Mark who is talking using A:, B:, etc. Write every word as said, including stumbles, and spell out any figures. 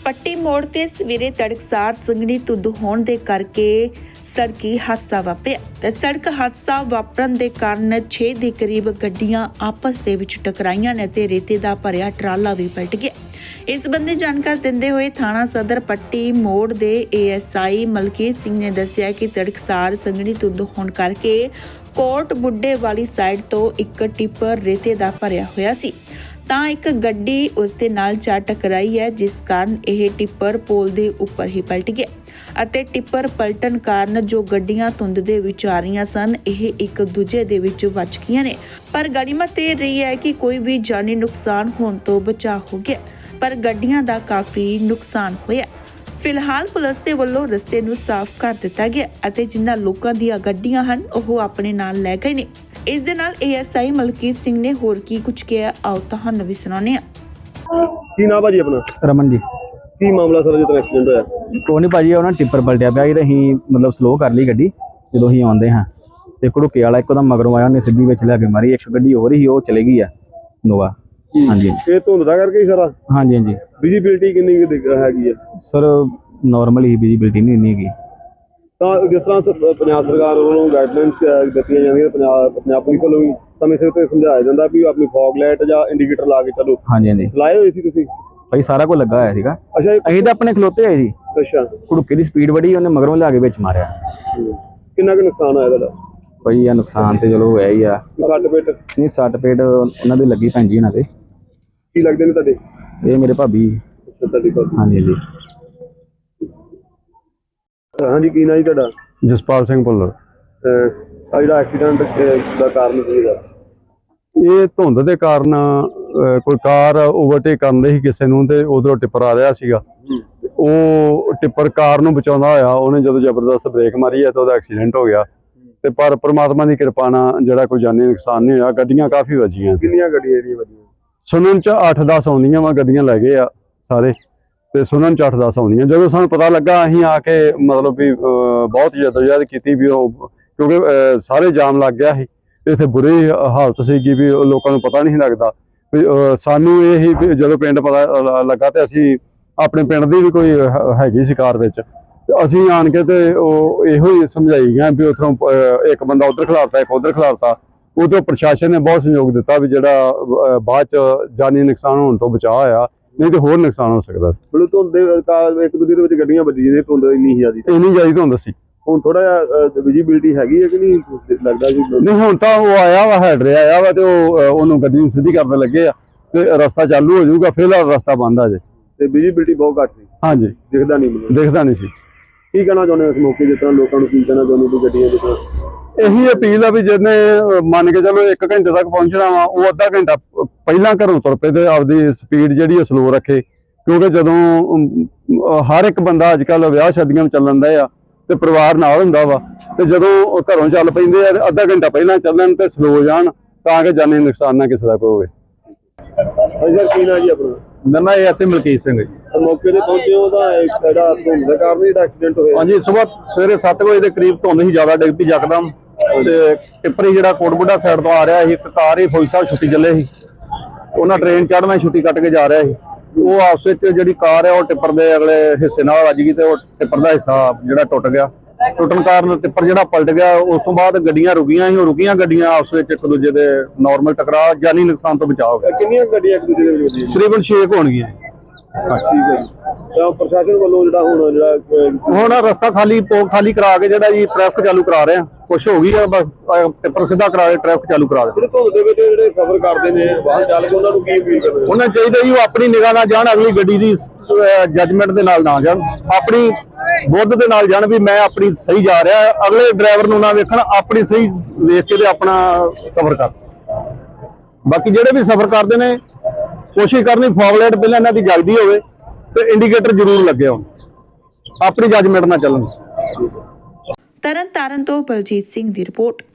A: ਪੱਟੀ ਮੋੜ ਤੇ ਸਵੇਰੇ ਤੜਕਸਾਰ ਸੰਘਣੀ ਧੁੰਦ ਹੋਣ ਦੇ ਕਰਕੇ ਸੜਕੀ ਹਾਦਸਾ ਵਾਪਰਿਆ ਤੇ ਸੜਕ ਹਾਦਸਾ ਵਾਪਰਨ ਦੇ ਕਾਰਨ ਛੇ ਦੇ ਕਰੀਬ ਗੱਡੀਆਂ ਆਪਸ ਦੇ ਵਿੱਚ ਟਕਰਾਈਆਂ ਨੇ ਤੇ ਰੇਤੇ ਦਾ ਭਰਿਆ ਟਰਾਲਾ ਵੀ ਪਲਟ ਗਿਆ। ਇਸ ਸੰਬੰਧੀ ਜਾਣਕਾਰੀ ਦਿੰਦੇ ਹੋਏ ਥਾਣਾ ਸਦਰ ਪੱਟੀ ਮੋੜ ਦੇ ਏਐਸਆਈ ਮਲਕੀਤ ਸਿੰਘ ਨੇ ਦੱਸਿਆ ਕਿ ਤੜਕਸਾਰ ਸੰਘਣੀ ਧੁੰਦ ਹੋਣ ਕਰਕੇ ਕੋਟ ਬੁੱਢੇ ਵਾਲੀ ਸਾਈਡ ਤੋਂ ਇੱਕ ਟਿੱਪਰ ਰੇਤੇ ਦਾ ਭਰਿਆ ਹੋਇਆ ਸੀ ਤਾਂ ਇੱਕ ਗੱਡੀ ਉਸ ਦੇ ਨਾਲ ਜਾ ਟਕਰਾਈ ਹੈ, ਜਿਸ ਕਾਰਨ ਇਹ ਟਿੱਪਰ ਪੋਲ ਦੇ ਉੱਪਰ ਹੀ ਪਲਟ ਗਿਆ ਅਤੇ ਟਿੱਪਰ ਪਲਟਣ ਕਾਰਨ ਜੋ ਗੱਡੀਆਂ ਧੁੰਦ ਦੇ ਵਿੱਚ ਆ ਰਹੀਆਂ ਸਨ ਇਹ ਇੱਕ ਦੂਜੇ ਦੇ ਵਿੱਚ ਵੱਜ ਗਈਆਂ ਨੇ। ਪਰ ਗਨੀਮਤ ਇਹ ਰਹੀ ਹੈ ਕਿ ਕੋਈ ਵੀ ਜਾਨੀ ਨੁਕਸਾਨ ਹੋਣ ਤੋਂ ਬਚਾ ਹੋ ਗਿਆ, ਪਰ ਗੱਡੀਆਂ ਦਾ ਕਾਫੀ ਨੁਕਸਾਨ ਹੋਇਆ। ਫਿਲਹਾਲ ਪੁਲਿਸ ਦੇ ਵੱਲੋਂ ਰਸਤੇ ਨੂੰ ਸਾਫ਼ ਕਰ ਦਿੱਤਾ ਗਿਆ ਅਤੇ ਜਿਨ੍ਹਾਂ ਲੋਕਾਂ ਦੀਆਂ ਗੱਡੀਆਂ ਹਨ ਉਹ ਆਪਣੇ ਨਾਲ ਲੈ ਗਏ ਨੇ। ਇਸ ਦੇ ਨਾਲ ਏਐਸਆਈ ਮਲਕੀਤ ਸਿੰਘ ਨੇ ਹੋਰ ਕੀ ਕੁਝ ਕਿਹਾ, ਆਓ ਤੁਹਾਨੂੰ ਵੀ ਸੁਣਾਉਂਦੇ ਹਾਂ।
B: ਕੀ ਨਾਮ ਭਾਜੀ ਆਪਣਾ?
C: ਰਮਨ ਜੀ।
B: ਕੀ ਮਾਮਲਾ ਸਰ ਜਦੋਂ ਐਕਸੀਡੈਂਟ ਹੋਇਆ?
C: ਕੋਈ ਨਹੀਂ ਭਾਜੀ, ਉਹਨਾਂ ਟਿੱਪਰ ਪਲਟਿਆ ਪਿਆ ਸੀ ਤੇ ਅਸੀਂ ਮਤਲਬ ਸਲੋ ਕਰ ਲਈ ਗੱਡੀ। ਜਦੋਂ ਅਸੀਂ ਆਉਂਦੇ ਹਾਂ ਤੇ ਘੜੁੱਕੇ ਵਾਲਾ ਇੱਕਦਮ ਮਗਰੋਂ ਆਇਆ, ਉਹਨੇ ਸਿੱਧੀ ਵਿੱਚ ਲਿਆ ਕੇ ਮਾਰੀ। ਇੱਕ ਗੱਡੀ ਹੋਰ ਹੀ ਉਹ ਚਲੇ ਗਈ ਆ ਨੋਵਾ। ਹਾਂਜੀ,
B: ਇਹ ਧੁੰਦ ਦਾ ਕਰਕੇ ਹੀ ਸਾਰਾ?
C: ਹਾਂਜੀ ਹਾਂਜੀ।
B: ਵਿਜ਼ਿਬਿਲਟੀ ਕਿੰਨੀ ਕੁ ਹੈਗੀ ਹੈ
C: ਸਰ? ਨਾਰਮਲ ਹੀ ਵਿਜ਼ਿਬਿਲਟੀ ਨਹੀਂ ਇੰਨੀ ਹੈਗੀ।
B: ਤਾਂ ਜਿਸ ਤਰ੍ਹਾਂ ਸ- ਪੰਜਾਬ ਸਰਕਾਰ ਵੱਲੋਂ ਗਾਈਡਲਾਈਨਸ ਦਿੱਤੀਆਂ ਜਾਂਦੀਆਂ, ਪੰਜਾਬ ਪੰਜਾਬ ਪੁਲਿਸ ਵੱਲੋਂ ਵੀ ਸਮੇਂ ਸਿਰ ਤੇ ਸਮਝਾਇਆ ਜਾਂਦਾ ਵੀ ਆਪਣੀ ਫੌਗ ਲਾਈਟ ਜਾਂ ਇੰਡੀਕੇਟਰ ਲਾ ਕੇ ਚੱਲੋ।
C: ਹਾਂਜੀ ਹਾਂਜੀ
B: ਲਾਏ ਹੋਏ ਸੀ ਤੁਸੀਂ?
C: ਭਾਈ ਸਾਰਾ ਕੁਝ ਲੱਗਾ ਹੋਇਆ ਸੀਗਾ।
B: ਅੱਛਾ ਇਹ-
C: ਅਸੀਂ ਤਾਂ ਆਪਣੇ ਖਲੋਤੇ ਹੋਏ ਜੀ।
B: ਅੱਛਾ,
C: ਘੜੁੱਕੇ ਦੀ ਸਪੀਡ ਬੜੀ, ਉਹਨੇ ਮਗਰੋਂ ਲਿਆ ਕੇ ਵਿੱਚ ਮਾਰਿਆ।
B: ਹੂੰ। ਕਿੰਨਾ ਕੁ ਨੁਕਸਾਨ ਹੋਇਆ ਤੁਹਾਡਾ?
C: ਭਾਈ ਇਹ ਨੁਕਸਾਨ ਤੇ ਚਲੋ ਹੋਇਆ ਹੀ ਆ।
B: ਸੱਟ ਪੇਟ
C: ਨਹੀਂ, ਸੱਟ ਪੇਟ ਉਹਨਾਂ ਦੀ ਲੱਗੀ ਭੈਣ ਜੀ ਉਹਨਾਂ ਦੇ।
B: ਕੀ ਲੱਗਦੇ ਨੇ ਤੁਹਾਡੇ?
C: ਇਹ ਮੇਰੇ ਭਾਬੀ।
B: ਅੱਛਾ, ਤੁਹਾਡੀ ਗੱਲ।
C: ਹਾਂਜੀ ਹਾਂਜੀ।
B: ਹਾਂਜੀ, ਕੀ ਨਾਂ ਜੀ ਤੁਹਾਡਾ?
D: ਜਸਪਾਲ ਸਿੰਘ ਭੁੱਲਰ।
B: ਆ ਜਿਹੜਾ ਐਕਸੀਡੈਂਟ ਦਾ ਕਾਰਨ ਕੀ ਹੈਗਾ?
D: ਇਹ ਧੁੰਦ ਦੇ ਕਾਰਨ ਅਹ, ਕੋਈ ਕਾਰ ਓਵਰਟੇਕ ਕਰਨ ਦੀ ਸੀ ਕਿਸੇ ਨੂੰ ਤੇ ਉਧਰੋਂ ਟਿੱਪਰ ਆ ਰਿਹਾ ਸੀਗਾ। ਤੇ ਉਹ ਟਿੱਪਰ ਕਾਰ ਨੂੰ ਬਚਾਉਂਦਾ ਹੋਇਆ ਉਹਨੇ ਜਦੋਂ ਜ਼ਬਰਦਸਤ ਬ੍ਰੇਕ ਮਾਰੀ ਹੈ ਤਾਂ ਉਹਦਾ ਐਕਸੀਡੈਂਟ ਹੋ ਗਿਆ। ਤੇ ਪਰ ਪ੍ਰਮਾਤਮਾ ਦੀ ਕਿਰਪਾ ਨਾਲ ਜਿਹੜਾ ਕੋਈ ਜਾਨੀ ਨੁਕਸਾਨ ਨਹੀਂ ਹੋਇਆ। ਗੱਡੀਆਂ ਕਾਫੀ ਵੱਜੀਆਂ।
B: ਕਿੰਨੀਆਂ ਗੱਡੀਆਂ ਜਿਹੜੀਆਂ ਵੱਜੀਆਂ?
D: ਸੁਣਨ ਚ ਅੱਠ ਦਸ ਆਉਂਦੀਆਂ ਵਾ, ਗੱਡੀਆਂ ਲੈ ਗਏ ਆ ਸਾਰੇ ਤੇ ਸੁਣਨ ਚ ਅੱਠ ਦਸ ਆਉਂਦੀਆਂ। ਜਦੋਂ ਸਾਨੂੰ ਪਤਾ ਲੱਗਾ ਅਸੀਂ ਆ ਕੇ ਮਤਲਬ ਵੀ ਅਹ, ਬਹੁਤ ਜਦੋਜਹਿਦ ਕੀਤੀ ਵੀ ਉਹ, ਕਿਉਂਕਿ ਅਹ, ਸਾਰੇ ਜਾਮ ਲੱਗ ਗਿਆ ਸੀ। ਇੱਥੇ ਬੁਰੀ ਹਾਲਤ ਸੀਗੀ ਵੀ ਲੋਕਾਂ ਨੂੰ ਪਤਾ ਨਹੀਂ ਲੱਗਦਾ ਵੀ ਅਹ, ਸਾਨੂੰ ਇਹ ਹੀ ਵੀ ਜਦੋਂ ਪਿੰਡ ਪਤਾ ਲੱਗਾ ਤੇ ਅਸੀਂ ਆਪਣੇ ਪਿੰਡ ਦੀ ਵੀ ਕੋਈ ਹੈਗੀ ਸੀ ਕਾਰ ਵਿੱਚ, ਤੇ ਅਸੀਂ ਆਣ ਕੇ ਤੇ ਉਹ ਇਹੋ ਹੀ ਸਮਝਾਈ ਗਿਆ ਵੀ ਉੱਥੋਂ ਇੱਕ ਬੰਦਾ ਉੱਧਰ ਖਿਲਾਰਤਾ, ਇੱਕ ਉੱਧਰ ਖਿਲਾਰਤਾ। ਉਦੋਂ ਪ੍ਰਸ਼ਾਸਨ ਨੇ ਬਹੁਤ ਸਹਿਯੋਗ ਦਿੱਤਾ ਵੀ ਜਿਹੜਾ ਅਹ, ਬਾਅਦ ਚ ਜਾਨੀ ਨੁਕਸਾਨ ਹੋਣ ਤੋਂ ਬਚਾਅ ਹੋਇਆ, ਨਹੀਂ ਤੇ ਹੋਰ ਨੁਕਸਾਨ ਹੋ ਸਕਦਾ।
B: ਹੁਣ ਧੁੰਦ ਦੇ ਕਾਰਨ ਇੱਕ ਦੂਜੇ ਦੇ ਵਿੱਚ ਗੱਡੀਆਂ ਵੱਜੀਆਂ ਨੇ, ਧੁੰਦ ਇੰਨੀ ਜ਼ਿਆਦੀ।
D: ਇੰਨੀ ਜ਼ਿਆਦਾ ਧੁੰਦ ਸੀ।
B: ਹੁਣ ਥੋੜਾ ਜਿਹਾ ਵਿਜ਼ਿਬਿਲਟੀ ਹੈਗੀ ਹੈ ਕਿ ਨਹੀਂ ਲੱਗਦਾ ਜੀ?
D: ਨਹੀਂ, ਹੁਣ ਤਾਂ ਉਹ ਆਇਆ ਵਾ, ਹੈਡਰ ਆਇਆ ਵਾ ਤੇ ਉਹ ਅਹ, ਉਹਨੂੰ ਗੱਡੀ ਨੂੰ ਸਿੱਧੀ ਕਰਨ ਲੱਗੇ ਆ ਤੇ ਰਸਤਾ ਚਾਲੂ ਹੋ ਜਾਊਗਾ। ਫਿਲਹਾਲ ਰਸਤਾ ਬੰਦ ਆ ਜੇ
B: ਤੇ ਵਿਜ਼ਿਬਿਲਟੀ ਬਹੁਤ ਘੱਟ ਸੀ।
D: ਹਾਂਜੀ,
B: ਦਿਖਦਾ ਨਹੀਂ ਮੈਨੂੰ।
D: ਦਿਖਦਾ ਨਹੀਂ ਸੀ।
B: ਕੀ ਕਹਿਣਾ ਚਾਹੁੰਦੇ ਹੋ ਇਸ ਮੌਕੇ ਜਿਸ ਤਰ੍ਹਾਂ ਲੋਕਾਂ ਨੂੰ? ਕੀ ਕਹਿਣਾ ਚਾਹੁੰਦੇ ਹੋ ਗੱਡੀਆਂ ਜਿਸ ਤਰ੍ਹਾਂ?
D: ਇਹੀ ਅਪੀਲ ਆ ਵੀ ਜਿਹਨੇ ਅਹ, ਮੰਨ ਕੇ ਚਲੋ ਇੱਕ ਘੰਟੇ ਤੱਕ ਪਹੁੰਚਣਾ ਵਾ, ਉਹ ਅੱਧਾ ਘੰਟਾ ਪਹਿਲਾਂ ਘਰੋਂ ਤੁਰ ਪਏ ਤੇ ਆਪਦੀ ਸਪੀਡ ਜਿਹੜੀ ਸਲੋ ਰੱਖੇ। ਕਿਉਂਕਿ ਜਦੋਂ ਅਮ, ਅਹ, ਹਰ ਇੱਕ ਬੰਦਾ ਅੱਜ ਕੱਲ੍ਹ ਵਿਆਹ ਸ਼ਾਦੀਆਂ ਵਿੱਚ ਚੱਲਣ ਦਾ ਆ ਤੇ ਪਰਿਵਾਰ ਨਾਲ ਹੁੰਦਾ ਵਾ, ਤੇ ਜਦੋਂ ਉਹ ਘਰੋਂ ਚੱਲ ਪੈਂਦੇ ਆ ਤੇ ਅੱਧਾ ਘੰਟਾ ਪਹਿਲਾਂ ਚੱਲਣ ਤੇ ਸਲੋ ਜਾਣ ਤਾਂ ਕਿ ਜਾਨੀ ਨੁਕਸਾਨ ਨਾ ਕਿਸੇ ਦਾ ਕੋਈ ਹੋਵੇ।
B: ਅਜਰ ਕੀ ਨਾਂ ਜੀ ਆਪਣਾ?
C: ਮੇਰਾ ਨਾਮ ਏਐਸਆਈ ਮਲਕੀਤ ਸਿੰਘ ਜੀ।
B: ਮੌਕੇ ਤੇ ਪਹੁੰਚੇ ਹੋ ਤਾਂ ਇੱਕ ਜਿਹੜਾ ਧੁੰਦ ਦੇ ਕਾਰਨ ਜਿਹੜਾ ਐਕਸੀਡੈਂਟ ਹੋਇਆ?
C: ਹਾਂਜੀ, ਸਵੇਰ ਸਵੇਰੇ ਸੱਤ ਵਜੇ ਦੇ ਕਰੀਬ ਧੁੰਦ ਹੀ ਜ਼ਿਆਦਾ ਡਿੱਗ ਪਈ ਯਕਦਮ ਤੇ ਟਿੱਪਰ ਜਿਹੜਾ ਕੋਟਬੁੱਢਾ ਸਾਈਡ ਤੋਂ ਆ ਰਿਹਾ ਸੀ, ਇੱਕ ਕਾਰ ਹੀ ਫੌਜੀ ਸਾਹਿਬ ਛੁੱਟੀ ਚੱਲੇ ਸੀ, ਉਹਨਾਂ ਟ੍ਰੇਨ ਚੜ੍ਹਨਾ ਛੁੱਟੀ ਕੱਟ ਕੇ ਜਾ ਰਿਹਾ ਸੀ। ਉਹ ਆਪਸ ਵਿੱਚ ਜਿਹੜੀ ਕਾਰ ਹੈ ਉਹ ਟਿੱਪਰ ਦੇ ਅਗਲੇ ਹਿੱਸੇ ਨਾਲ ਵੱਜ ਗਈ ਤੇ ਉਹ ਟਿੱਪਰ ਦਾ ਹਿੱਸਾ ਜਿਹੜਾ ਟੁੱਟ ਗਿਆ। ਟੁੱਟਣ ਕਾਰਨ ਟਿੱਪਰ ਜਿਹੜਾ ਪਲਟ ਗਿਆ। ਉਸ ਤੋਂ ਬਾਅਦ ਗੱਡੀਆਂ ਰੁਕੀਆਂ ਸੀ, ਉਹ ਰੁਕੀਆਂ ਗੱਡੀਆਂ ਆਪਸ ਵਿੱਚ ਇੱਕ ਦੂਜੇ ਦੇ ਨਾਰਮਲ ਟਕਰਾਅ, ਜਾਨੀ ਨੁਕਸਾਨ ਤੋਂ ਬਚਾਅ ਹੋ ਗਿਆ।
B: ਕਿੰਨੀਆਂ ਗੱਡੀਆਂ ਇੱਕ ਦੂਜੇ ਦੇ ਵਿੱਚ ਵੱਜੀਆਂ?
C: ਤਕਰੀਬਨ ਛੇ ਕੁ ਹੋਣਗੀਆਂ।
B: ਠੀਕ ਹੈ ਜੀ। ਤਾਂ ਪ੍ਰਸ਼ਾਸਨ ਵੱਲੋਂ ਜਿਹੜਾ ਹੁਣ ਜਿਹੜਾ
C: ਹੁਣ ਰਸਤਾ ਖਾਲੀ ਖਾਲੀ ਕਰਾ ਕੇ ਜਿਹੜਾ ਜੀ ਟ੍ਰੈਫਿਕ ਚਾਲੂ ਕਰਾ ਰਹੇ ਆ। ਕੁਛ ਹੋ ਗਈ ਆ, ਬਸ ਟਿੱਪਰ ਸਿੱਧਾ ਕਰਾ ਕੇ ਟ੍ਰੈਫਿਕ ਚਾਲੂ ਕਰਾ ਦੇ।
B: ਜਿਹੜੇ ਧੁੰਦ ਦੇ ਵਿੱਚ ਜਿਹੜੇ ਸਫ਼ਰ ਕਰਦੇ ਨੇ ਵਾਹਨ ਚਾਲਕ, ਉਹਨਾਂ ਨੂੰ ਕੀ ਅਪੀਲ ਕਰਦੇ?
C: ਉਹਨਾਂ ਚਾਹੀਦਾ ਜੀ ਉਹ ਆਪਣੀ ਨਿਗਾਹ ਨਾਲ ਜਾਣ, ਅਗਲੀ ਗੱਡੀ ਦੀ ਜੱਜਮੈਂਟ ਦੇ ਨਾਲ ਨਾ ਜਾਣ, ਆਪਣੀ ਬੁੱਧ ਦੇ ਨਾਲ ਜਾਣ ਵੀ ਮੈਂ ਆਪਣੀ ਸਹੀ ਜਾ ਰਿਹਾ। ਅਗਲੇ ਡਰਾਈਵਰ ਨੂੰ ਨਾ ਵੇਖਣ, ਆਪਣੀ ਸਹੀ ਵੇਖ ਕੇ ਤੇ ਆਪਣਾ ਸਫ਼ਰ ਕਰ। ਬਾਕੀ ਜਿਹੜੇ ਵੀ ਸਫ਼ਰ ਕਰਦੇ ਨੇ ਕੋਸ਼ਿਸ਼ ਕਰਨੀ ਫੌਗ ਲਾਈਟ ਪਹਿਲਾਂ ਇਹਨਾਂ ਦੀ ਜਗਦੀ ਹੋਵੇ ਤੇ ਇੰਡੀਕੇਟਰ ਜ਼ਰੂਰ ਲੱਗੇ ਹੋਣ, ਆਪਣੀ ਜੱਜਮੈਂਟ ਨਾਲ ਚੱਲਣ।
A: ਤਰਨ ਤਾਰਨ ਤੋਂ ਬਲਜੀਤ ਸਿੰਘ ਦੀ ਰਿਪੋਰਟ।